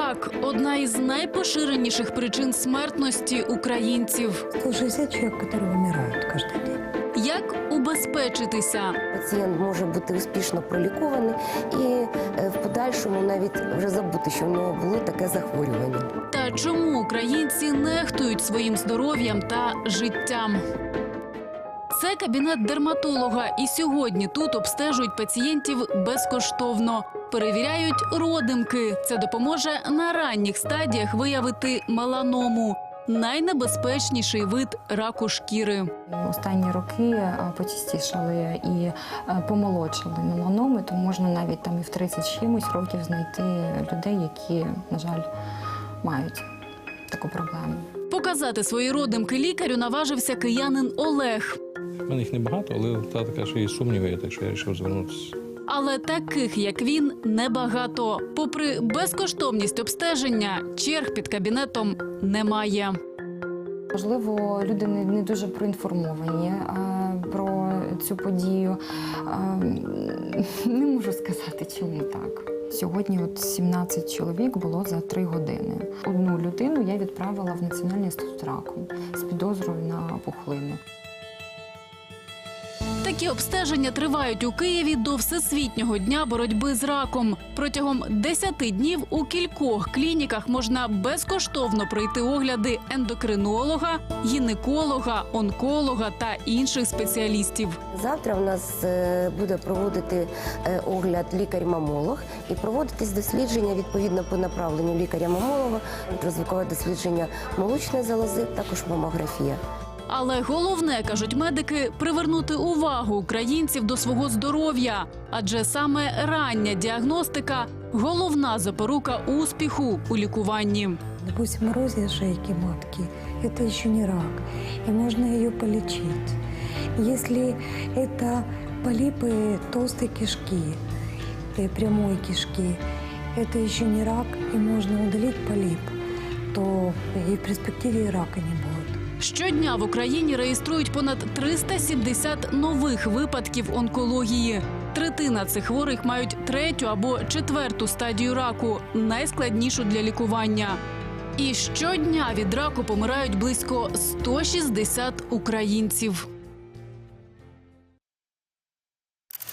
Рак – одна із найпоширеніших причин смертності українців. 160 человек, которые умирают каждый день. Як убезпечитися? Пацієнт може бути успішно пролікований і в подальшому навіть вже забути, що в нього було таке захворювання. Та чому українці нехтують своїм здоров'ям та життям? Це кабінет дерматолога, і сьогодні тут обстежують пацієнтів безкоштовно. Перевіряють родимки. Це допоможе на ранніх стадіях виявити меланому – найнебезпечніший вид раку шкіри. Останні роки почастішали і помолодшали меланоми, тому можна навіть там і в 30 з чимось років знайти людей, які, на жаль, мають таку проблему. Показати свої родимки лікарю наважився киянин Олег. У мене їх небагато, але та така, що є сумніви, так що я вирішив звернутися. Але таких, як він, небагато. Попри безкоштовність обстеження, черг під кабінетом немає. Можливо, люди не дуже проінформовані про цю подію. Не можу сказати, чому так. Сьогодні 17 чоловік було за 3 години. Одну людину я відправила в Національний інститут раку з підозрою на пухлину. Такі обстеження тривають у Києві до Всесвітнього дня боротьби з раком. Протягом 10 днів у кількох клініках можна безкоштовно пройти огляди ендокринолога, гінеколога, онколога та інших спеціалістів. Завтра у нас буде проводити огляд лікар-мамолог і проводитись дослідження відповідно по направленню лікаря-мамолога, ультразвукове дослідження молочної залози, також мамографія. Але головне, кажуть медики, привернути увагу українців до свого здоров'я. Адже саме рання діагностика – головна запорука успіху у лікуванні. Допустим, эрозия шейки матки – это еще не рак, и можно ее полечить. Если это полипы толстой кишки, прямой кишки, это еще не рак, и можно удалить полип, то и в перспективе и рака не будет. Щодня в Україні реєструють понад 370 нових випадків онкології. Третина цих хворих мають 3-ю або 4-ту стадію раку, найскладнішу для лікування. І щодня від раку помирають близько 160 українців.